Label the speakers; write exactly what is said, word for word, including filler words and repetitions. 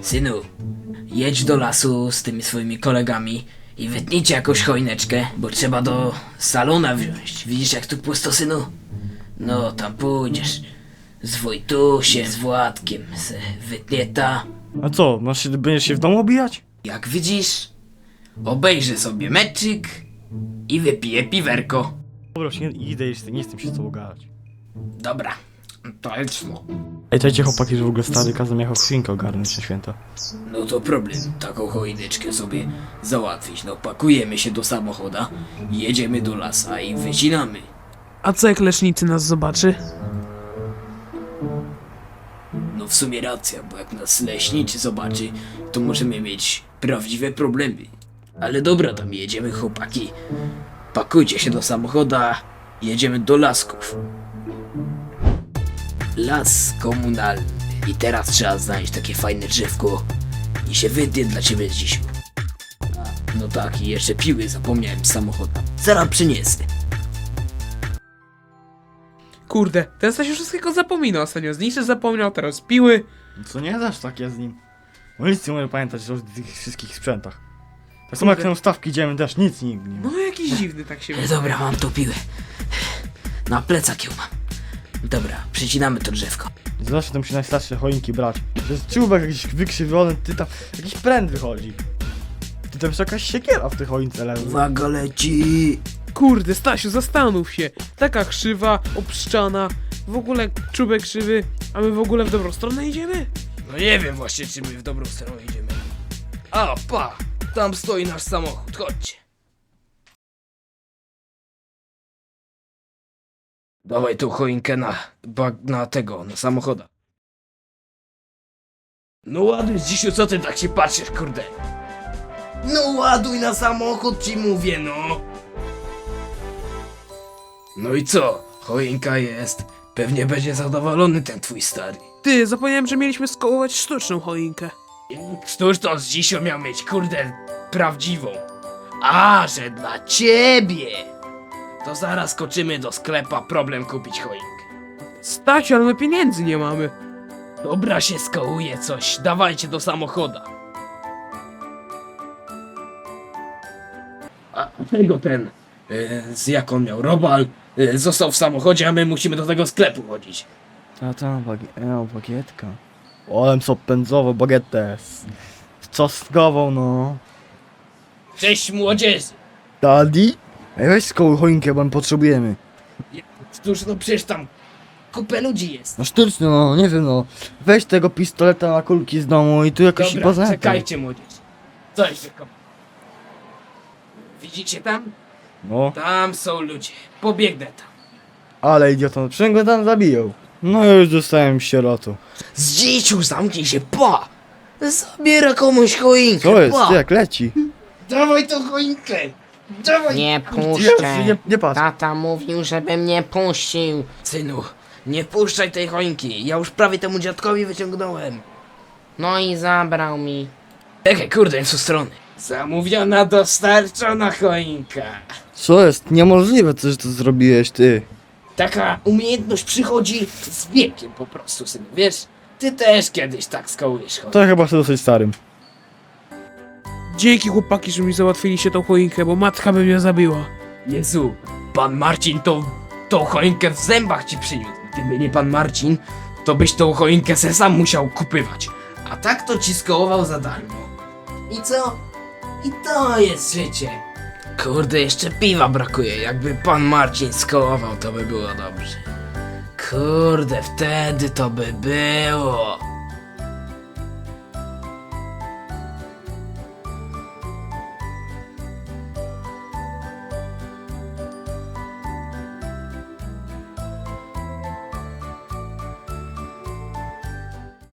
Speaker 1: Synu, jedź do lasu z tymi swoimi kolegami i wytnijcie jakąś choineczkę, bo trzeba do salona wziąć. Widzisz jak tu pusto, synu? No, tam pójdziesz. Z Wojtusiem, z Władkiem se wytnie ta.
Speaker 2: A co, masz się, będziesz się w domu obijać?
Speaker 1: Jak widzisz, obejrzę sobie meczyk i wypiję piwerko.
Speaker 2: Dobra, już nie, idę jeszcze, nie chcę się z tobą gadać.
Speaker 1: Dobra, to lecmo.
Speaker 2: Ej, czekajcie chłopaki, że w ogóle stary kazał mi jakąś świnkę ogarnąć na święta.
Speaker 1: No to problem, taką choineczkę sobie załatwić. No pakujemy się do samochoda, jedziemy do lasa i wycinamy.
Speaker 3: A co jak lecznicy nas zobaczy?
Speaker 1: No w sumie racja, bo jak nas leśniczy zobaczy, to możemy mieć prawdziwe problemy. Ale dobra, tam jedziemy chłopaki. Pakujcie się do samochoda, jedziemy do lasków. Las komunalny. I teraz trzeba znaleźć takie fajne drzewko i się wytnie dla ciebie dziś. No tak, i jeszcze piły zapomniałem z samochodu. Zaraz przyniesę.
Speaker 3: Kurde, ten Stasiu wszystkiego zapomina. Ostatnio zniszczy zapomniał, teraz piły.
Speaker 2: Co nie dasz takie z nim? No nic nie mogę pamiętać o tych wszystkich sprzętach. Tak samo jak na ustawki idziemy też, nic nigdy nie ma.
Speaker 3: No jakiś dziwny tak się
Speaker 1: E,
Speaker 3: wydaje.
Speaker 1: Dobra, mam tu piłę. Na plecak ją mam. Dobra, przycinamy to drzewko.
Speaker 2: Zawsze tam się najstarsze choinki brać. To jest czubek jakiś wykrzywiony, ty tam, jakiś pręt wychodzi. Ty tam jest jakaś siekiera w tej choince leży.
Speaker 1: Uwaga, leci!
Speaker 3: Kurde, Stasiu, zastanów się. Taka krzywa, obszczana, w ogóle czubek krzywy, a my w ogóle w dobrą stronę idziemy?
Speaker 1: No nie wiem właśnie, czy my w dobrą stronę idziemy. A, pa! Tam stoi nasz samochód, chodźcie. Dawaj tą choinkę na, bag, na tego, na samochoda. No ładuj, Zisiu, co ty tak się patrzysz, kurde? No ładuj na samochód, ci mówię, no. No i co? Choinka jest. Pewnie będzie zadowolony ten twój stary.
Speaker 3: Ty, zapomniałem, że mieliśmy skołować sztuczną choinkę.
Speaker 1: Któż to z Dzisiu miał mieć, kurde, prawdziwą? A, że dla ciebie! To zaraz skoczymy do sklepa, problem kupić choinkę.
Speaker 3: Stasiu, ale my pieniędzy nie mamy.
Speaker 1: Dobra, się skołuje coś, dawajcie do samochoda. A tego ten, e, z jak on miał, Robal, e, został w samochodzie, a my musimy do tego sklepu chodzić.
Speaker 2: A tam, bagi no, bagietka. Olem co pędzowo, bagietę. Z, z czosnkową, no.
Speaker 1: Cześć młodzieży!
Speaker 2: Daddy? Ej, weź skołuj choinkę, bo my potrzebujemy.
Speaker 1: Cóż, no przecież tam kupę ludzi jest.
Speaker 2: No sztuczny, no, nie wiem, no. Weź tego pistoleta na kulki z domu i tu jakoś
Speaker 1: Dobra,
Speaker 2: poza
Speaker 1: czekajcie młodzież. Coś wykopam. Widzicie tam?
Speaker 2: No,
Speaker 1: Tam są ludzie. Pobiegnę tam.
Speaker 2: ale idiota, przecież go tam zabiją. No już dostałem sierotu.
Speaker 1: Zdziciu, zamknij się, pa! Zabiera komuś choinkę,
Speaker 2: Co jest?
Speaker 1: pa!
Speaker 2: Ty jak leci?
Speaker 1: Dawaj tą choinkę! Dawaj!
Speaker 4: Nie
Speaker 2: Jezu,
Speaker 4: puszczę.
Speaker 2: nie, nie patrz.
Speaker 4: Tata mówił, żebym nie puścił.
Speaker 1: Synu, nie puszczaj tej choinki. Ja już prawie temu dziadkowi wyciągnąłem.
Speaker 4: No i zabrał mi.
Speaker 1: Czekaj, kurde, w tą stronę. Zamówiona, dostarczona choinka.
Speaker 2: Co jest? Niemożliwe, co że to zrobiłeś, ty.
Speaker 1: Taka umiejętność przychodzi z wiekiem po prostu, synu, wiesz? Ty też kiedyś tak skołujesz choinkę.
Speaker 2: To chyba jestem dosyć starym.
Speaker 3: Dzięki chłopaki, że mi załatwiliście tą choinkę, bo matka by mnie zabiła.
Speaker 1: Jezu, pan Marcin tą, tą choinkę w zębach ci przyniósł. Gdyby nie pan Marcin, to byś tą choinkę se sam musiał kupywać. A tak to ci skołował za darmo. I co? I to jest życie. Kurde, jeszcze piwa brakuje. Jakby pan Marcin skołował, to by było dobrze. Kurde, wtedy to by było.